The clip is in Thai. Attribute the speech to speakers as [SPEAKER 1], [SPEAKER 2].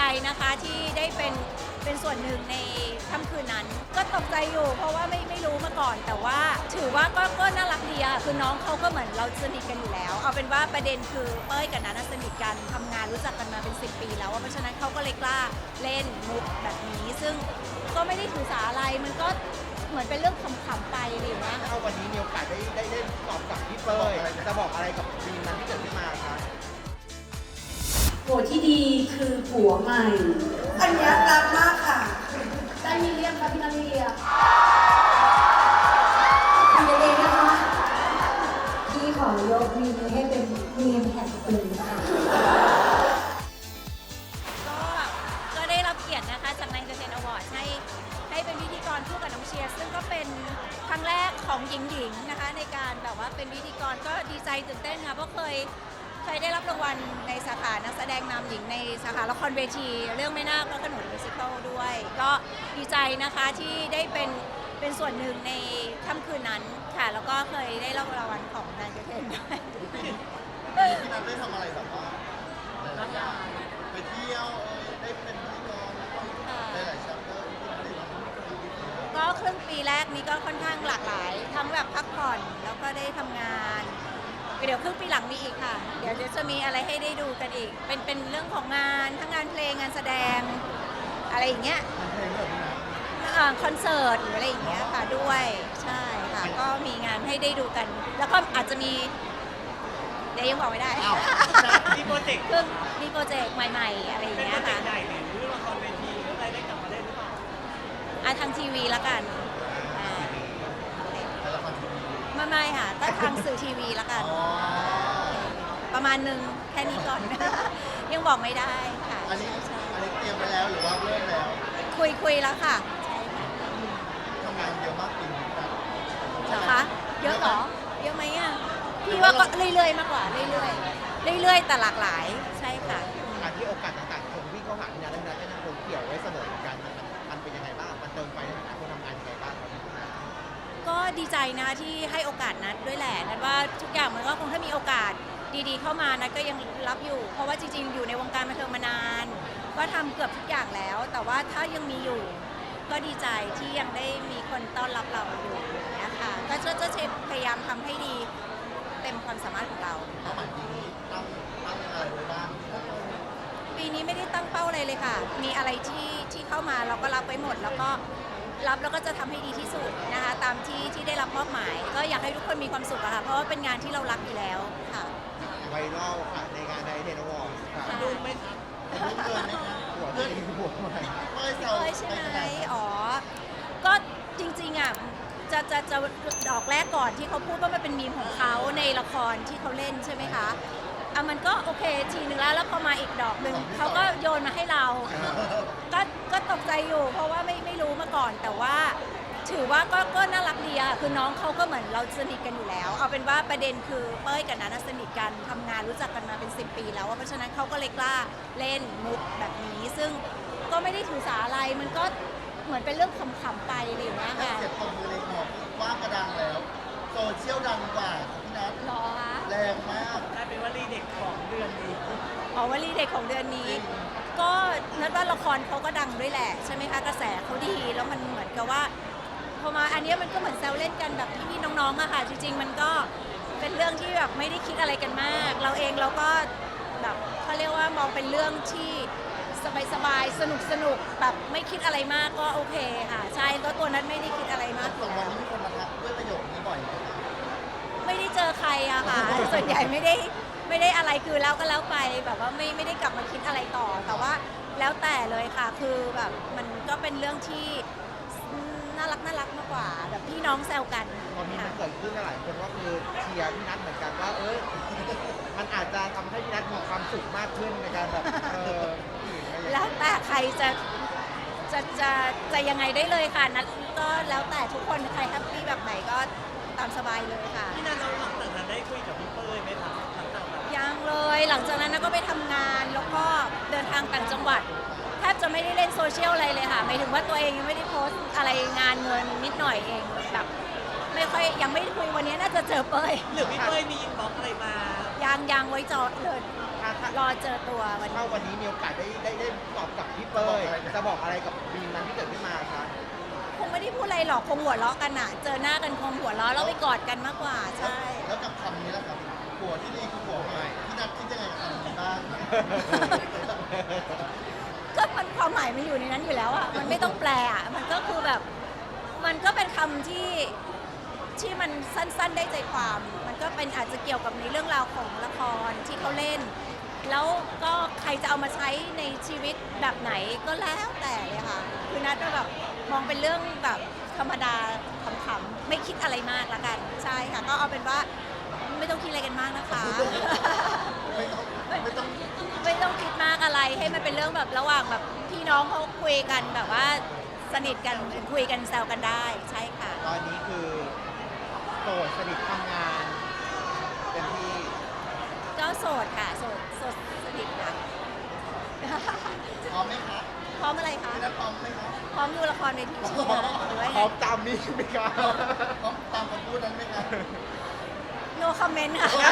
[SPEAKER 1] นะคะที่ได้เป็นส่วนหนึ่งในค่ำคืนนั้นก็ตกใจอยู่เพราะว่าไม่รู้มาก่อนแต่ว่าถือว่าก็น่ารักดีอะคือน้องเขาก็เหมือนเราสนิทกันอยู่แล้วเอาเป็นว่าประเด็นคือเป้ยกับนัทสนิทกันทำงานรู้จักกันมาเป็น10 ปีแล้วเพราะฉะนั้นเขาก็เลยกล้าเล่นมุกแบบนี้ซึ่งก็ไม่ได้ถือสาอะไรมันก็เหมือนเป็นเรื่องขำๆไปอะไรอย่างเงี้ย
[SPEAKER 2] ถ้าวันนี้มีโอกาสได้เล่นตอบกับพี่เป้ยจะบอกอะไรกับซีนนั้นที่เกิดขึ้นมาคะ
[SPEAKER 3] ผัวที่ดีคือผัวใหม่
[SPEAKER 4] อันเนี้ยรักมากค่ะ
[SPEAKER 3] ได้มีเรียกคะพี่นัทมีเรียกคุยกันเองนะคะพี่ขอยกมีนี้ให้เป็นมีมแห่งปีค่ะ
[SPEAKER 1] ก็ได้รับเกียรตินะคะจากนายเจเทนอวอร์ดให้เป็นพิธีกรคู่กับน้องเชียร์ซึ่งก็เป็นครั้งแรกของหญิงๆนะคะในการแบบว่าเป็นพิธีกรก็ดีใจตื่นเต้นค่ะเพราะเคยได้รับรางวัลในสาขานักแสดงนำหญิงในสาขาละครเวทีเรื่องแม่นาคและขนุนมิวสิคัลด้วย ก็ดีใจนะคะที่ได้เป็นส่วนหนึ่งในค่ำคืนนั้นค่ะแล้วก็เคยได้รับรางวัลของนายเจเทนด้วย
[SPEAKER 2] พี่นัทได้ทำอะไรแบบว่าหลายๆอย่างไปเที่ยวได้เป็นพิธีกรได้หลายชัปเตอร์ที่นัทได้ทำ
[SPEAKER 1] ก็ครึ่งปีแรกนี้ก็ค่อนข้างหลากหลาย ทั้งแบบพักผ่อนแล้วก็ได้ทำงานเดี๋ยวครึ่งปีหลังมีอีกค่ะ เดี๋ยวจะมีอะไรให้ได้ดูกันอีก เป็นเรื่องของงานทั้งงานเพลงงานแสดงอะไรอย่างเงี้ย
[SPEAKER 2] มันเพลงแบบนี้นะ
[SPEAKER 1] คอนเสิร์ตหรืออะไรอย่างเงี้ยค่ะด้วยใช่ค่ะก็มีงานให้ได้ดูกัน แล้วก็อาจจะมีเดี๋ยวยังบอกไม่ได้
[SPEAKER 2] อ้าว
[SPEAKER 5] มีโปรเจกต์
[SPEAKER 1] คือมีโปรเจกต์ใหม่ๆอะไรอย่าง
[SPEAKER 5] เป็น
[SPEAKER 1] เงี้
[SPEAKER 5] โปร
[SPEAKER 1] ย
[SPEAKER 5] เจก
[SPEAKER 1] ค่ะ
[SPEAKER 5] ต์ใหญ่เนี่ยหรือละครเวทีหรืออะไรได้กลับมาเล่นหรือเปล่า
[SPEAKER 1] ทางทีวีละกันอ่า
[SPEAKER 2] แต่ละครทีวี
[SPEAKER 1] ไม่ค่ะก็ทางสื่อทีวีละกัน
[SPEAKER 2] อ๋อ
[SPEAKER 1] ประมาณหนึ่งแค่นี้ก่อน ยังบอกไม่ได้ค่ะ
[SPEAKER 2] อันนี้
[SPEAKER 1] ใช่
[SPEAKER 2] อันนี้เตรียมไปแล้วหรือว่าเริ่มแล้ว
[SPEAKER 1] คุยแล้วค่ะใช่ค่ะ
[SPEAKER 2] ทำงานเยอะมากปีนี้ครับ
[SPEAKER 1] เหรอคะเยอะเหรอเยอะไหมอ่ะพี่ว่าก็เรื่อยๆมากกว่าเรื่อยๆแต่หลากหลายใช่ค่ะ
[SPEAKER 2] การที่โอกาสต่างๆคนวิ่งเข้าหาพี่นัทและพี่นัทก็ยังคงเกี่ยวไว้เสมอเหมือนกันมันเป็นยังไงบ้างมันเติมไฟในฐานะคนทำงานยังไงบ้างครับ
[SPEAKER 1] ก็ดีใจนะที่ให้โอกาสนัดด้วยแหละนัดว่าทุกอย่างมันก็คงถ้ามีโอกาสดีๆเข้ามานัดก็ยังรับอยู่ เพราะว่าจริงๆอยู่ในวงการบันเทิงมานานก็ทำเกือบทุกอย่างแล้ว แต่ว่าถ้ายังมีอยู่ ก็ดีใจที่ยังได้มีคนต้อนรับเราอยู่อย่างเงี้ยค่ะก็จะพยายามทำให้ดีเต็มความสามารถของเรา
[SPEAKER 2] เป้าหมายปีนี้ตั้งอะไรไว้บ้าง
[SPEAKER 1] ปีนี้ไม่ได้ตั้งเป้าอะไรเลยค่ะ มีอะไรที่เข้ามาเราก็รับไว้หมด แล้วก็รับแล้วก็จะทำให้ดีที่สุดนะคะตามที่ได้รับมอบหมาย ก็อยากให้ทุกคนมีความสุขอะค่ะ เพราะว่าเป็นงานที่เรารักอยู่แล้วค่ะ
[SPEAKER 2] ไวรัลค่ะในงานในเทนวอร์ค่ะ
[SPEAKER 1] ค่ะ
[SPEAKER 2] ดูไหมครับดูเกินไหมครับหัวเพื่อนหัวใหม่เป้ยแซว
[SPEAKER 1] เอ้ยใช่ไหมอ๋อ ก็จริงๆอ่ะจะดอกแรกก่อนที่เขาพูดว่ามันเป็นมีมของเขาในละครที่เขาเล่นใช่ไหมคะอ่ะมันก็โอเคทีนึงแล้วพอมาอีกดอกหนึ่งเขาก็โยนมาให้เรา ก็ตกใจอยู่เพราะว่าไม่รู้มาก่อนแต่ว่าถือว่าก็น่ารักดีอะคือน้องเขาก็เหมือนเราสนิทกันอยู่แล้ว เอาเป็นว่าประเด็นคือเป้ยกับนัทสนิทกันทำงานรู้จักกันมาเป็น10 ปีแล้วเพราะฉะนั้นเขาก็เลยกล้าเล่นมุกแบบนี้ ซึ่งก็ไม่ได้ถือสาอะไรมันก็เหมือนเป็นเรื่องขำๆไปอะไรอย่างเงี้ยค่ะ
[SPEAKER 2] เสียบตรงมือเลยหมอกว่างกระดังแล้ว โซเชียลดังกว่าพี่นัท
[SPEAKER 1] รอคะ
[SPEAKER 2] แรงมาก
[SPEAKER 5] ได้เป็นวลีเด็กของเดือนนี้
[SPEAKER 1] อ๋อวลีเด็กของเดือนนี้ ก็นัดว่าละครเขาก็ดังด้วยแหละใช่ไหมคะกระแสเขาดีแล้วมันเหมือนกับว่าพอมาอันเนี้ยมันก็เหมือนแซวเล่นกันแบบพี่ๆน้องๆอะค่ะจริงๆมันก็เป็นเรื่องที่แบบไม่ได้คิดอะไรกันมาก เราเองเราก็แบบเขาเรียกว่ามองเป็นเรื่องที่สบายๆสนุกๆแบบไม่คิดอะไรมากก็โอเคค่ะใช่ก็ตัวนั้นไม่ได้คิดอะไรมากอ
[SPEAKER 2] สอยู่ ง
[SPEAKER 1] แล้
[SPEAKER 2] วัน
[SPEAKER 1] ว
[SPEAKER 2] นี้มีคนมาทักด้วยประโยคนี้บ่อยไหมครับ
[SPEAKER 1] ไม่ได้เจอใครอะค่ะ ส่วนใหญ่ไม่ได้อะไรคือแล้วก็แล้วไปแบบว่าไม่ได้กลับมาคิดอะไรต่อ แต่ว่าแล้วแต่เลยค่ะ คือแบบมันก็เป็นเรื่องที่น่ารักมากกว่าแบบพี่น้องแซวกัน
[SPEAKER 2] ตอนนี้มัน
[SPEAKER 1] ค่ะ
[SPEAKER 2] เกิดขึ้นหลายคนว่าคือเชียร์พี่นัทเหมือนกันว่ามันอาจจะทำให้พี่นัทมีความสุขมากขึ้นในการแบบอื่นอะไรอย่างเงี้ย
[SPEAKER 1] แล้วแต่ใครจะยังไงได้เลยค่ะนัดก็แล้วแต่ทุกคนใครแฮปปี้แบบไหนก็ตามสบายเลยค่ะ
[SPEAKER 5] พี่นันเราหลังจากนั้นได้คุยกับพี่เป้ยไหมครับหลังจากแบบ
[SPEAKER 1] ยังเลยหลังจากนั้นก็ไปทำงานแล้วก็เดินทางต่างจังหวัดแทบจะไม่ได้เล่นโซเชียลอะไรเลยค่ะหมายถึงว่าตัวเองยังไม่ได้โพสต์อะไรงานเงินนิดหน่อยเองแบบไม่ค่อยยังไม่ได้คุยวันนี้น่าจะเจอเป้ย
[SPEAKER 5] หรือพี่เป้ยมีอินบ็อกซ์อะไรมา
[SPEAKER 1] ยังไว้จอดเลย
[SPEAKER 2] ถ้าร
[SPEAKER 1] อเจอตัววันนี้
[SPEAKER 2] ถ้าวันนี้มีโอกาสได้ตอบกับ
[SPEAKER 6] เป้ยจะบอกอะไรกับบีมนั้นที่เกิดขึ้นมาคะ
[SPEAKER 1] คงไม่ได้พูดอะไรหรอกคงหัวเราะกันอะเจอหน้ากันคงหัวเราะแล้วไปกอดกันมากกว่าใช่
[SPEAKER 2] แล้วกับคำนี้ล่ะครับผัวที่ดีคือผัวใหม่พี่นัทคิดยังไงกับคำนี้บ้าง
[SPEAKER 1] ก็มันความหมายมันอยู่ในนั้นอยู่แล้วอะมันไม่ต้องแปลอะมันก็คือแบบมันก็เป็นคำที่มันสั้นๆได้ใจความ มันก็เป็นอาจจะเกี่ยวกับในเรื่องราวของละครที่เขาเล่น แล้วก็ใครจะเอามาใช้ในชีวิตแบบไหนก็แล้วแต่เลยค่ะคือนัทก็แบบมองเป็นเรื่องแบบธรรมดาขำๆไม่คิดอะไรมากละกันใช่ค่ะก็เอาเป็นว่าไม่ต้องคิดอะไรกันมากนะคะ
[SPEAKER 2] ไม่ต้อง
[SPEAKER 1] ไม่ต้องคิดมากอะไรให้มันเป็นเรื่องแบบระหว่างแบบพี่น้องเขาคุยกันแบบว่าสนิทกันคุยกันแซวกันได้ใช่ค่ะ
[SPEAKER 6] ตอนนี้คือโสดสนิททำงานเต็มที่
[SPEAKER 1] ก็โสดค่ะโสดสนิทค่ะ
[SPEAKER 2] พร้อมไหมคะ
[SPEAKER 1] พร้อมอะไรคะ
[SPEAKER 2] พี่นัทพร้อมไหมคะ
[SPEAKER 1] พร้อมดูละครเวทีใช่ไหมหรือว่า
[SPEAKER 6] พร้
[SPEAKER 1] ไง
[SPEAKER 6] อมตามนี้ไหมคะ
[SPEAKER 2] พร้อมตามคำพูดนั้นไหมคะ
[SPEAKER 1] no comment ค่ะ